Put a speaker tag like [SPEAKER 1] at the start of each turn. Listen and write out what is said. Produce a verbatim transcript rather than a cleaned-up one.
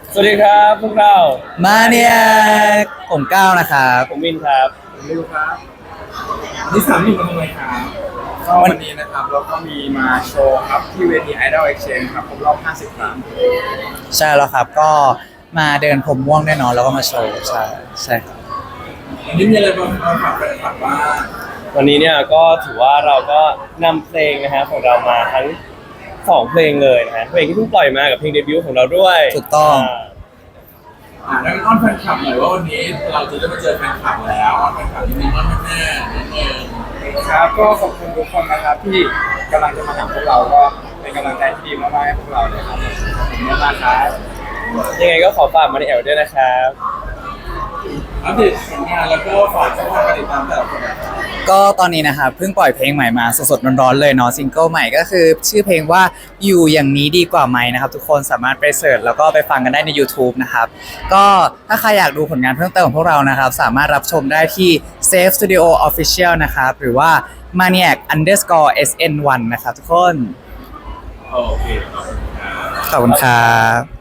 [SPEAKER 1] สวัสดีครับพวกเรา
[SPEAKER 2] มาเนี่ยผมก้าวนะครับ
[SPEAKER 1] ผมวินครับ
[SPEAKER 3] ผมไม่รู้ครับนี่สามหนุ่มมาทำไมครับก็วันนี้นะครับเราก็มีมาโชว์ครับที่เวที Idol Exchange ครับครบรอบห้าสิบครั้ง
[SPEAKER 2] ใช่แล้วครับก็มาเดินผมม่วงแน่นอนแล้วก็มาโชว์ใช่ใช่ครับ
[SPEAKER 3] วันนี้มีอะไรบ้างมาฝากแฟนคลับบ้าง
[SPEAKER 1] วันนี้เนี่ยก็ถือว่าเราก็นำเพลงนะฮะของเรามาทั้งสองเพลงเลยนะฮะเพลงที่เพิ่งปล่อยมากับเพลงเดบิวต์ของเราด้วย
[SPEAKER 2] ถูกต้อง
[SPEAKER 3] อ่าแล้วอ้อนแฟนคลับหน่อยว่าวันนี้เราจะได้มาเจอแฟนคลับแล้วอ้อนแฟนคลับนิดนึงอ้อนแม่ๆนิดนึงครับก็ขอบคุณทุกคนนะครับที่กำลังจะมาหาพวกเราก็เป็นกำลังใจที่ดีมากๆให้พวกเราเลยครับขอบคุณมากๆครับ
[SPEAKER 1] ยังไงก็ขอฝากมาในแอลด้วยนะครับ
[SPEAKER 3] อัปเดตผลงานแล้วก็ฝากช่องทางการติดตามแต่ละคน
[SPEAKER 2] ก็ตอนนี้นะครับเพิ่งปล่อยเพลงใหม่มาสดๆร้อนๆเลยเนาะซิงเกิลใหม่ก็คือชื่อเพลงว่าอยู่อย่างนี้ดีกว่าไหมนะครับทุกคนสามารถไปเสิร์ชแล้วก็ไปฟังกันได้ใน YouTube นะครับก็ถ้าใครอยากดูผลงานเพิ่มเติมของพวกเรานะครับสามารถรับชมได้ที่ Safe Studio Official นะครับหรือว่า Maniac underscore เอส เอ็น วัน นะครับทุกคน
[SPEAKER 3] โอเค
[SPEAKER 2] ขอบคุณครับ